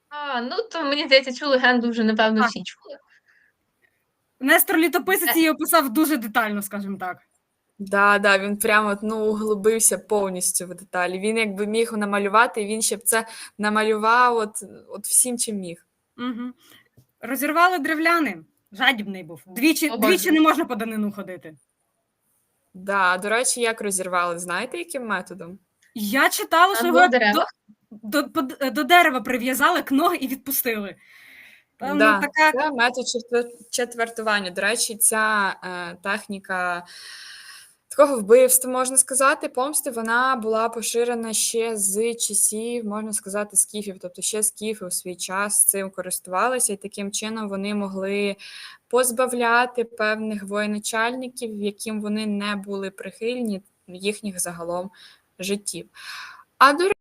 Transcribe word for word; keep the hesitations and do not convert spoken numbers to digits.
А, ну, то, мені здається, цю легенду вже, напевно, Так. всі чули. Нестор Літописець Е її описав дуже детально, скажімо так. Да, да, він прямо, ну, углибився повністю в деталі. Він якби міг намалювати, він ще б це намалював от, от всім, чим міг. Угу. Розірвали древляни. Жадібний був. Двічі, О, двічі Боже. не можна по данину ходити. Да, до речі, як розірвали, знаєте, яким методом? Я читала, що Або його в деревах. до, до, до дерева прив'язали к ноги і відпустили. Певно, Да, така... це метод четвер- четвертування. До речі, ця е, техніка такого вбивства, можна сказати, помсти, вона була поширена ще з часів, можна сказати, скіфів. Тобто ще скіфи у свій час цим користувалися, і таким чином вони могли позбавляти певних воєначальників, яким вони не були прихильні, їхніх загалом життів. А до